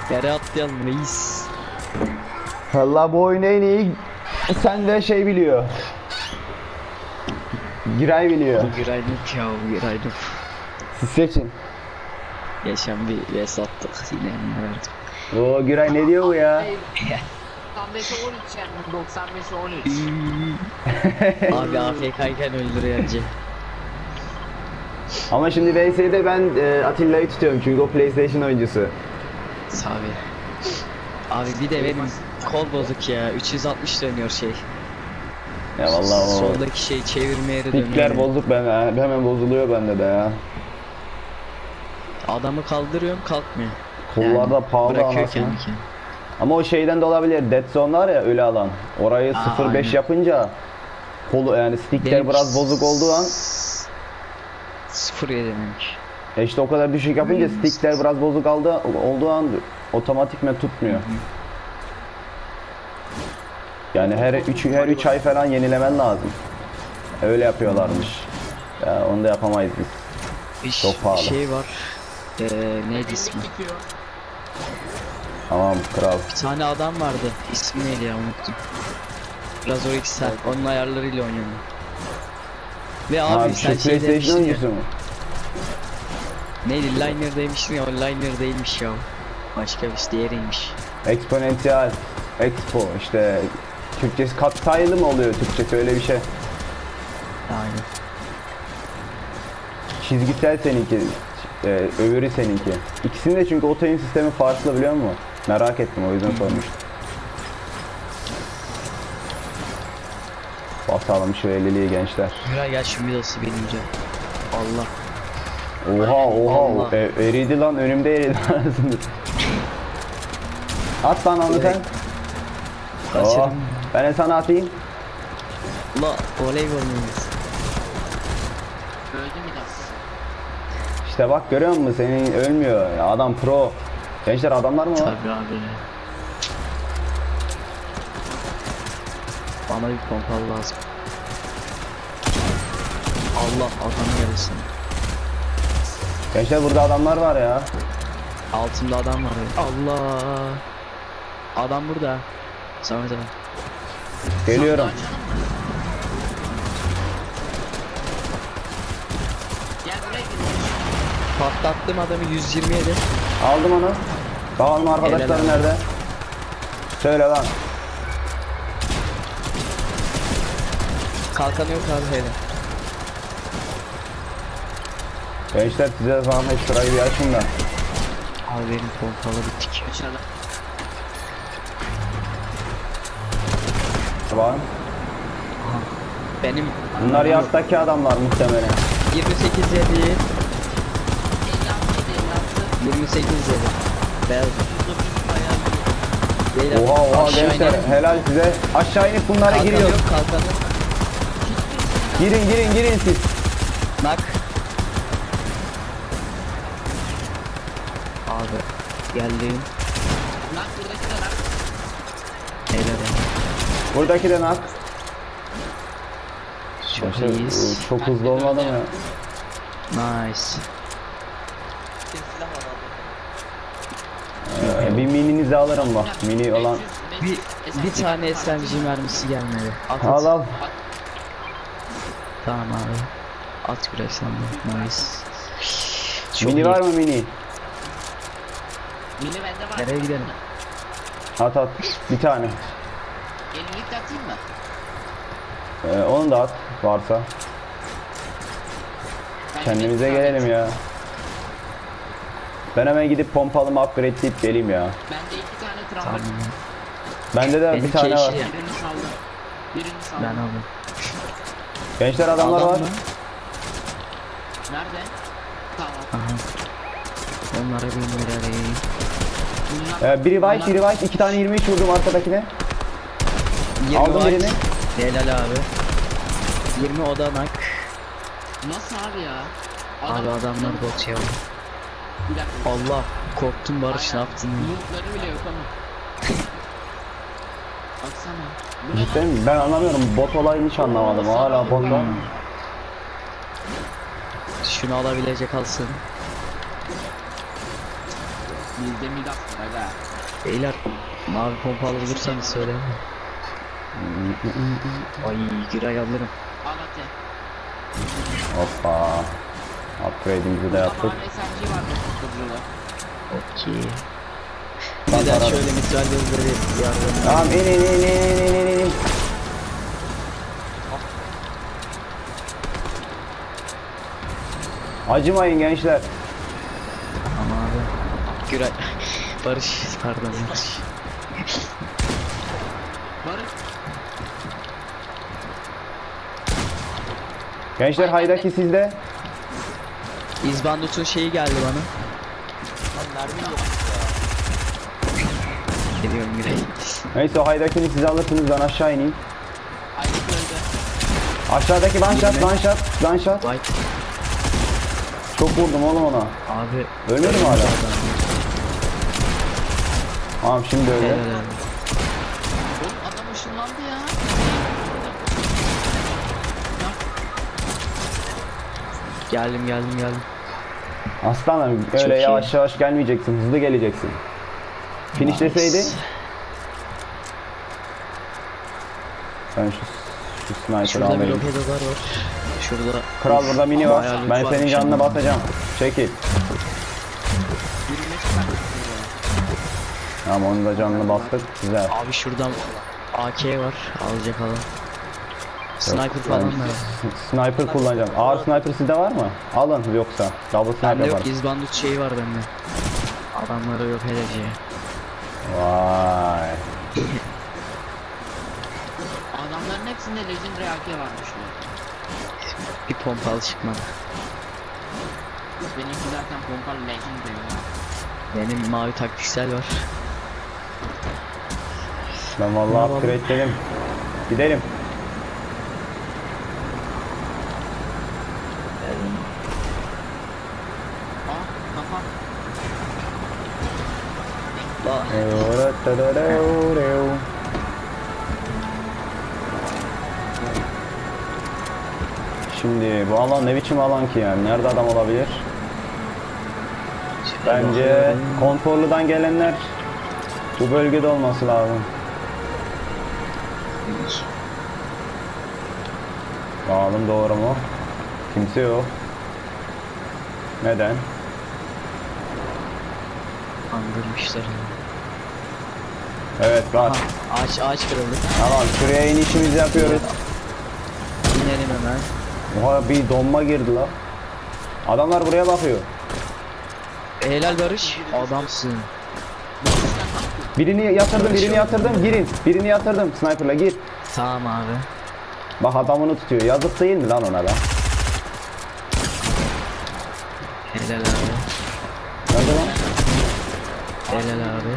Yere atlayalım reis. Valla bu oyunu en iyi sen de şey biliyor. Giray biliyor. Bu giraylık ya, bu giraylık. Siz seçin. Geçen bir yes attık yine verdim. Oo Giray ne diyor bu ya? Hayır. 95'e 13 yani 95'e 13. Abi AFK'yken öldürüyor önce. Ama şimdi VS'de ben Atilla'yı tutuyorum çünkü o PlayStation oyuncusu. Abi. Abi bir de benim kol bozuk ya. 360 dönüyor şey. Ya vallahi o Soldaki şey çevirme yeri dönüyor. stickler bozuk hemen bozuluyor bende de ya. Adamı kaldırıyorum kalkmıyor. Kollarda pahalı bırakıyor anasını. kendi kendine. Ama o şeyden de olabilir. Dead Zone var ya ölü alan. Orayı Aa, 0.5 aynen. yapınca kolu yani stickler Benim biraz bozuk olduğu an 0.7 benimki. işte o kadar düşük yapınca stickler biraz bozuk olduğu an otomatikmen tutmuyor. Yani her 3 ay falan yenilemen lazım. Öyle yapıyorlarmış. Ya onu da yapamayız biz. Bir Çok pahalı. şey var. Neydi ismi? Bitiyor. Tamam kral. Bir tane adam vardı. İsmi neydi ya, unuttum. Biraz o ikisi. Onun ayarlarıyla oynuyorum. Ve abi Abi sen şu şey PlayStation demiştin ya. oyuncusu mu? Neydi, Liner demiştin ya, o Liner değilmiş ya. Başka bir şey, diğeriymiş. Exponential Expo işte Türkçesi katsayılı mı oluyor Türkçesi öyle bir şey. Aynen. Çizgisel seninki, öbürü seninki. İkisinin de çünkü otoyun sistemi farklı biliyor musun? Merak ettim o yüzden sormuştum. Basalım şu 50'liği gençler. Miray gel şu midası binince. Allah. Oha Allah. eridi lan önümde eridi. At lan onu sen. Oh, Kaçırdım. ben de sana atayım. La voleybol muyuz? Öldü Midas. İşte bak görüyor musun senin ölmüyor. Ya adam pro. Gençler adamlar mı var? Tabii abi. Bana bir pompalı lazım. Allah, adam gelsin. Gençler burada adamlar var ya. Altımda adam var ya. Allah. Adam burada. Samet abi. Geliyorum. Gel buraya gir. Patlattım adamı 127. Aldım onu. Bakalım arkadaşlar Helal. nerede? Söyle lan. Kalkanı yok abi hele. Gençler size falan şurayı bir açın da. Abi benim pompalı bittik. Aşağıda. Var. Benim Bunlar yattaki adamlar muhtemelen. 28 yedi. 56 28 yedi. Beyaz. 56. Beyler, Oha aşağı gençler inelim. helal size. Aşağı inip bunlara Kalkanı giriyor. yok, kalkanı. Girin siz. Nak. Abi geldim. Lan buradaki de lan. Helal. Buradaki de nak. Çok Gençler, iyiyiz. çok hızlı olmadı mı? Nice. Bir mininizi alırım bak. Mini olan. Bir tane SMG mermisi gelmedi. At, Al al. Tamam abi. At biraz sen de. Nice. Çok Mini iyi. var mı mini? Mini bende var. Nereye gidelim? At at. Bir tane. Yenilik de atayım mı? Onu da at varsa. Ben Kendimize bir- gelelim ya. Ben hemen gidip pompalımı upgradeleyip geleyim ya. Bende 2 tane tram Tamam. var. Bende de Benimki bir tane var. yeşil ya. Birini saldım. Birini saldım. Ben aldım. Gençler adamlar Adam var. mı? Nerede? Tamam. Aha. Onlara bir nereye? Biri white, biri white. 2 tane 23 vurdum arkadakine. 20 Aldım var. birini. Helal abi. 20 odanak. Nasıl abi ya? Abi adamlar bot ya. Bir dakika. Allah, korktum Barış, ne yaptın? Lootları bile yok ama. Baksana. Bu ne lan? Cidden mi? Ben anlamıyorum. Bot olayını hiç anlamadım. Hala bot var. Şunu alabilecek alsın. Bizde Midas var aga. Beyler mavi pompalı bulursanız söyleyin. Ay Güray alırım. Al ate. Hoppa. Upgrade'imizi de Burada yaptık. mavi SMG var dokuzluğu. Okey. Ben Neden para- şöyle mitral gözleri yardım. Tamam in. Acımayın gençler. Ama abi. Güray. Barış. Pardon Barış. Barış. Gençler haydaki sizde. İzbandut'un şeyi geldi bana. Geliyorum Güray. Neyse o haydakini siz alırsınız, ben aşağı ineyim. Aylık öldü. Aşağıdaki gunshot. White. Çok vurdum oğlum ona. Abi. Ölmedi mi hala? Tamam şimdi öyle. Helal abi. Oğlum adam ışınlandı ya. Geldim. Aslanım öyle Çok iyi. yavaş yavaş gelmeyeceksin, hızlı geleceksin. Finishleseydi. Nice. Ben şu sniper'ı Şurada bir alayım. lopedolar var. Şurada. Kral burada mini var. Bayağı loot Ben varmış senin canına ama. basacağım. Çekil. Yürüme çıkarttık. Tamam onun da canını bastık. Güzel. Abi şuradan AK var. Alacak adam. Sniper falan da. Sniper kullanacağım. Ağır sniper sizde var mı? Alın yoksa. Double sniper Bende var. yok. İzbandut şeyi var bende. Adamlara yok edeceği. Vay. Adamların hepsinde Legendary AK varmış ya. Bir pompalı çıkmadı. Benimki zaten pompalı Legendary ya. Benim mavi taktiksel var. Ben vallahi Tamam. upgrade'ledim. Gidelim. Aa kafa. Bak. Şimdi bu alan ne biçim alan ki yani? Nerede adam olabilir? Bence konforludan gelenler bu bölgede olması lazım. Bakalım doğru mu? Kimse yok. Neden? Andırmışlar. Evet var. Aha, ağaç kırıldı. Tamam şuraya inişimizi yapıyoruz. İnelim hemen. Oha bir donma girdi la. Adamlar buraya bakıyor. Helal Barış. Adamsın. Birini yatırdım, girin. Birini yatırdım, sniper'la gir. Tamam abi. Bak adamını tutuyor, yazık değil mi lan ona lan? Helal abi. Nerede lan? Helal abi.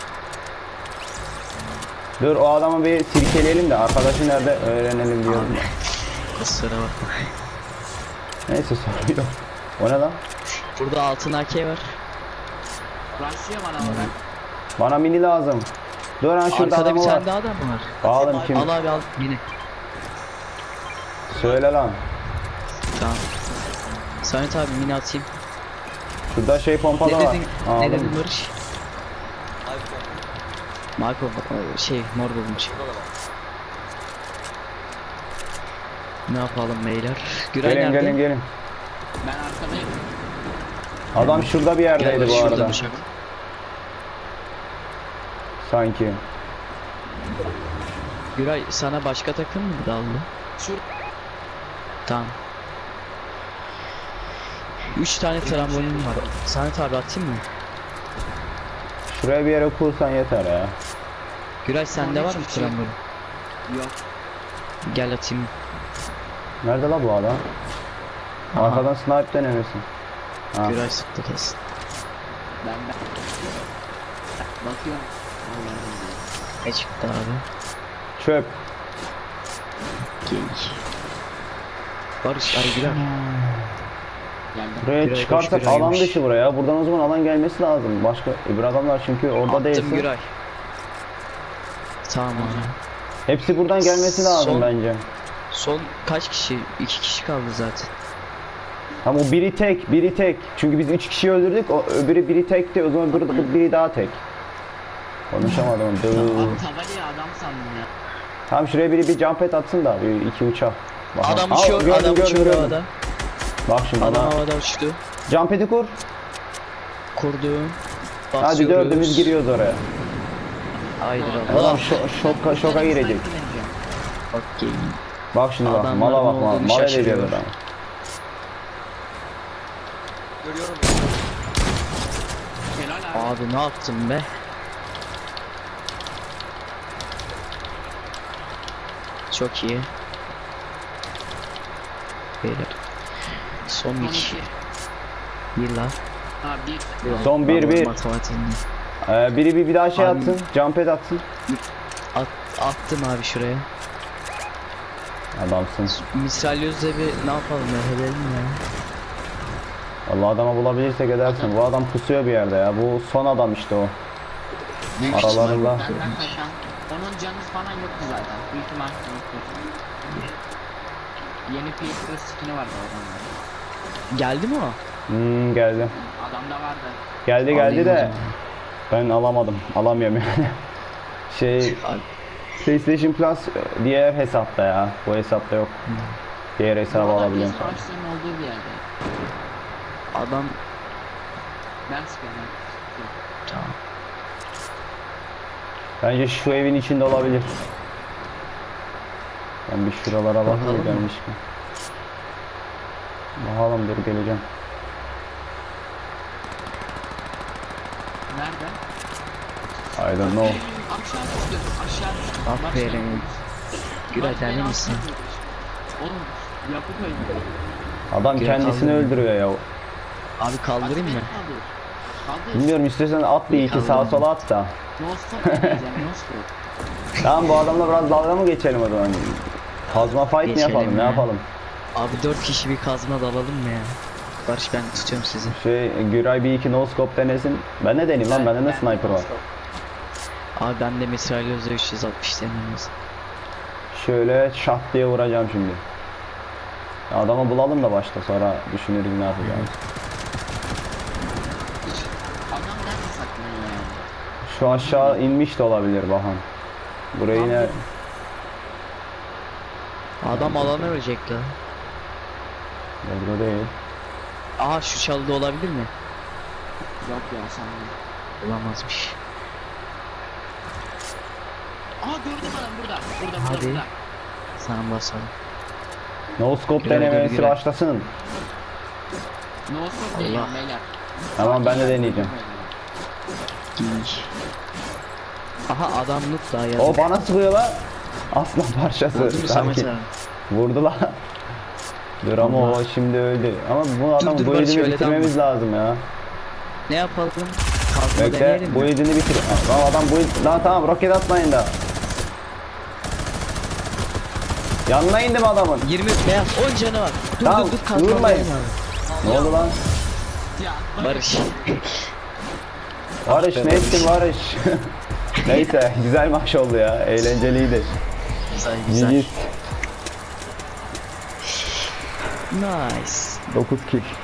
Dur o adamı bir sirkeleyelim de arkadaşı nerede öğrenelim diyorum. Abi. Kusura bakma. Neyse sorun yok. O ne lan? Burada altın AK var. Rush'lıyor bana ama ben. Bana mini lazım. Dur lan şurada Arkada adam bir var. tane daha adam mı var? Bağalım kim? Al abi al. Yine. Söyle lan. Tamam. Samet abi mini atayım. Şurada şey pompalı Ne var. dedin? Ne Aldım. dedin Barış? Mavi pompa. Şey mor bulmuş. Ne yapalım beyler? Güray Gelin nerede? gelin. Ben arkadayım. Adam şurada bir Gel yerdeydi Barış, bu şurada arada. bıçak. Sanki. Güray sana başka takım mı daldı? Şur. Tamam. 3 tane trambolin var. Samet abi atayım mı? Şuraya bir yere kursan yeter ya. Güray sende var mı hiçbir şey yok. trambolin? Yok. Gel atayım. Nerede la bu adam? Aha. Arkadan snipe denemesin. Ha. Güray sıktı kesin. Ben. Bakıyorum. Allah'ım. Ne çıktı abi? Çöp. Geyik. Barış ay Güray. Geldim. Buraya Güray çıkarsak boş, Güray alan boş. dışı buraya. Buradan o zaman alan gelmesi lazım. Başka öbür adamlar çünkü orada Attım değilse. Güray. Tamam abi. Hepsi buradan gelmesi lazım Son- bence. Son kaç kişi? 2 kişi kaldı zaten. Tam o biri tek, biri tek. Çünkü biz 3 kişi öldürdük. O öbürü biri tekti. O zaman biri daha tek. Konuşamadım. Dur. Tabelaya adam sandım ya. Tamam şuraya biri bir jump pad atsın da bir iki uçak. Bakalım. Adam Aa, uçuyor, gördüm, adam gördüm, uçuyor gördüm. havada. Bak şimdi Adam bana havada uçtu. jump pad'i kur. Kurdum. Hadi Basıyoruz. dördümüz giriyoruz oraya. Haydi Adam Allah. şoka girecek. Okey. Bak şimdi bak. Adamların Mala bak. olduğunu Mal edeceğiz şaşırıyor. adamı. Görüyorum. Helal abi. Abi ne yaptın be? Çok iyi. Beyler. Son Son 2. iki. Bir la. Ha bir. Son bir, bir. Matematiğini. Biri bir daha şey Abi- atsın. Jump pad atsın. Attım abi şuraya. Adamsın. Misalyoz'da bir ne yapalım ya, edelim ya. Allah adamı bulabilirsek edersin. Bu adam pusuyor bir yerde ya. Bu son adam işte o. Aralarında. Benden kaçan. Onun canı falan yoktu zaten. Büyük ihtimal yoktu. Yeni PS4 skin'i vardı adamda. Geldi mi o? Geldi. Adamda vardı. Geldi Alayım o de zaman. ben alamadım. Alamıyorum yani. Şey Abi, PlayStation Plus diğer hesapta ya. Bu hesapta yok. Diğer hesabı Bu arada alabiliyorum. PS Başlığın olduğu bir yerde. adam Ben sıkıyorum. tamam. Bence şu evin içinde olabilir. Ben bir şuralara bakayım Bakalım mı? gelmiş mi? Bakalım dur geleceğim. Nerede? I don't know. Aşağı düştü. Aşağı düştü. Aferin. Güray sen iyi misin? Oğlum yapı koydu. Adam Gel kendisini kaldırın. öldürüyor ya. Abi kaldırayım mı? Kaldır. Bilmiyorum istiyorsan at bir iki sağa Kaldırın. sola at da. Nostop diyeceğim. Nostop. Tamam bu adamla biraz dalga mı geçelim o zaman? Kazma fight mi Geçelim yapalım ne ya. yapalım? Abi 4 kişi bir kazma dalalım mı ya? Barış ben tutuyorum sizi. Güray bir iki no scope denesin. Ben ne deneyim lan bende ne sniper var? Abi ben de mitralyözle 360 deneyimiz. Şöyle şat diye vuracağım şimdi. Adamı bulalım da başta sonra düşünürüz ne yapacağız. Adam nerede saklanıyor yani? Şu aşağı inmiş de olabilir Bahan. Burayı yine Adam alana ölecek la. burada değil. Aha şu çalıda olabilir mi? Yok ya sanmıyorum. Olamazmış. Aa gördüm adam burada. Burada Hadi. burada. Sana basalım. No scope Güray, denemesi Güray. başlasın. Nostop değil Allah. beyler. Tamam ben de deneyeceğim. Giy. Aha adam noob daha yazık. O bana sıkıyor lan. Aslan parçası. Vurdu mu Samet Sanki. abi? Vurdu lan. Dur ama Allah. o şimdi öldü. Ama bu adam dur bu Barış, edini öyle bitirmemiz lazım ya. Ne yapalım? Kazma Bekle deneyelim bu mi? edini bitir. Lan adam bu lan tamam roket atmayın da. Yanına indim adamın. 20 beyaz 10 canı var. Dur Tamam, dur kazma vurmayın. deneyelim abi. Ne oldu lan? Ya Barış. Barış be ne ettin Barış? Neyse güzel maç oldu ya. Eğlenceliydi. Güzel güzel. GG. Nice. 9 kill.